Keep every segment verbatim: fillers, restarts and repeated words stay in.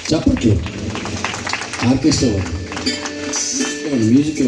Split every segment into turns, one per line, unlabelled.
చప్పట్లు. Orchestra music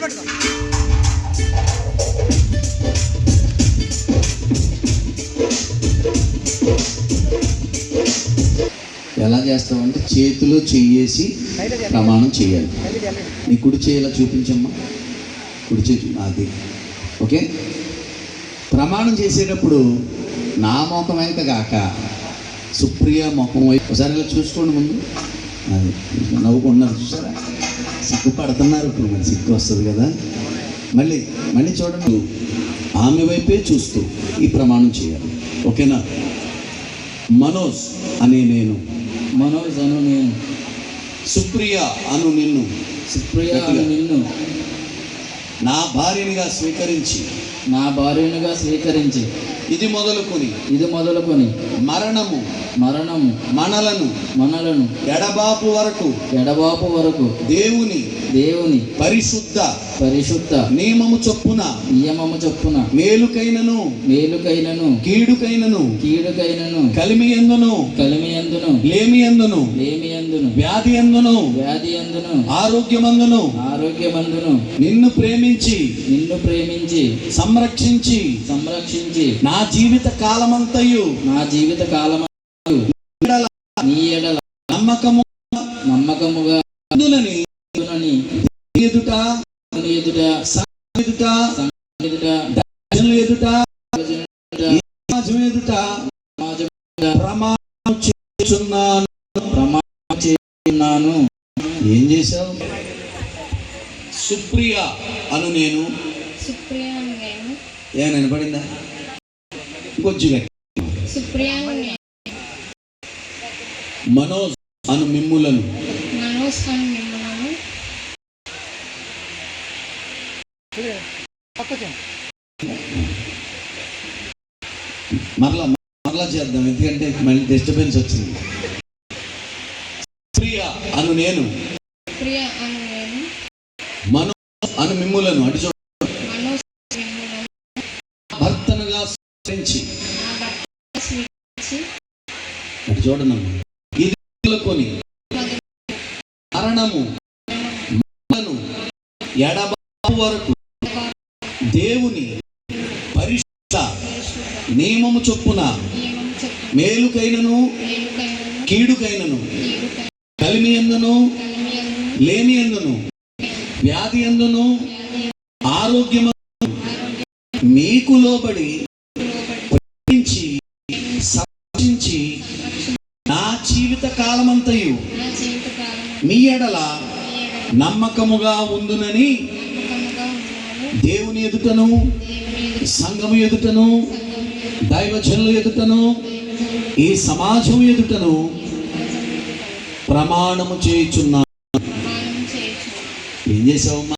ఎలా చేస్తామంటే చేతిలో చెయ్యేసి ప్రమాణం చేయాలి. నీ కుడి చేయాల చూపించమ్మా, కుడి చేతి అది. ఓకే, ప్రమాణం చేసేటప్పుడు నా ముఖం వెంక కాక సుప్రియ ముఖం వైపు ఒకసారి ఇలా చూసుకోండి. ముందు అది నవ్వుకుంటున్నారు, చూసారా? సిగ్గు పడుతున్నారు. ఇప్పుడు మరి సిగ్గు వస్తుంది కదా. మళ్ళీ మళ్ళీ చూడండి, ఆమె వైపే చూస్తూ ఈ ప్రమాణం చేయాలి. ఓకేనా? మనోజ్ అనే నేను,
మనోజ్ అను నేను,
సుప్రియ అను నిన్ను,
సుప్రియ అను నిన్ను
నా భార్యనిగా స్వీకరించి,
నా భార్యనుగా స్వీకరించి,
ఇది మొదలుకొని
ఇది మొదలుకొని
మరణము
మరణము
మనలను
మనలను
ఎడబాపు వరకు
ఎడబాపు వరకు
దేవుని
దేవుని
పరిశుద్ధ
పరిశుద్ధ
నియమము చొప్పున
నియమము చొప్పున
మేలుకైనను
మేలుకైనను
కీడుకైనను
కీడుకైనను
కలిమియందును
కలిమియందును
లేమియందును
లేమియందును
వ్యాధి ఎందును
వ్యాధి ఎందును
ఆరోగ్యమందును
ఆరోగ్యమందును
నిన్ను ప్రేమించి
నిన్ను ప్రేమించి
సంరక్షించి
సంరక్షించి
నా జీవిత కాలమంతయు
నా జీవిత కాలమంతయు నీ ఎడల
నమ్మకము
నమ్మకముగా
అందునని ఎదుట
ఎదుట
ఎదుట
ఎదుట
ఎదుట సమాజం ఎదుట ప్రమాణం చేస్తున్నాను
ప్రమాణం చేస్తున్నాను.
ఏం చేశావు? సుప్రియ అను నేను,
సుప్రియ అను నేను,
ఏమైనా వినపడిందా? ఇంకొద్దిగా
సుప్రియ అను నేను,
మనోజ్ అను మిమ్ములను,
మనోజ్ అను మిమ్ములను
మరలా మరలా చేద్దాం, ఎందుకంటే మళ్ళీ డిస్టర్బెన్స్ వచ్చింది. సుప్రియ అను నేను,
సుప్రియ అను నేను,
మనోజ్ అను మిమ్ములను అటు చూడ
మనోజ్ మిమ్ములను
భర్తనుగా స్వీకరించి,
నా భర్తగా స్వీకరించి
అటు చూడనమ్మా. ఇది మొదలుకొని మరణము మనలను ఎడబాపు వరకు దేవుని పరిశుద్ధ నియమము చొప్పున
నియమము చొప్పున
మేలుకైనను
మేలుకైనను
కీడుకైనను
కీడుకైనను
కలిమి ఎందును
కలిమియందును
లేమి ఎందును వ్యాధి ఎందును ఆరోగ్యము మీకు లోబడి ప్రేమించి సంరక్షించి నా జీవిత కాలమంతయు
నా జీవిత కాలమంతయు
మీ ఎడల నమ్మకముగా ఉందునని
నమ్మకముగా ఉన్నాను.
దేవుని ఎదుటను
దేవుని ఎదుట
సంఘము ఎదుటను దైవజనుల ఎదుటను ఈ సమాజం ఎదుటను ప్రమాణము చేయుచున్నాను.
ప్రమాణం చేయుచున్నాను.
ఏం చేసావమ్మా?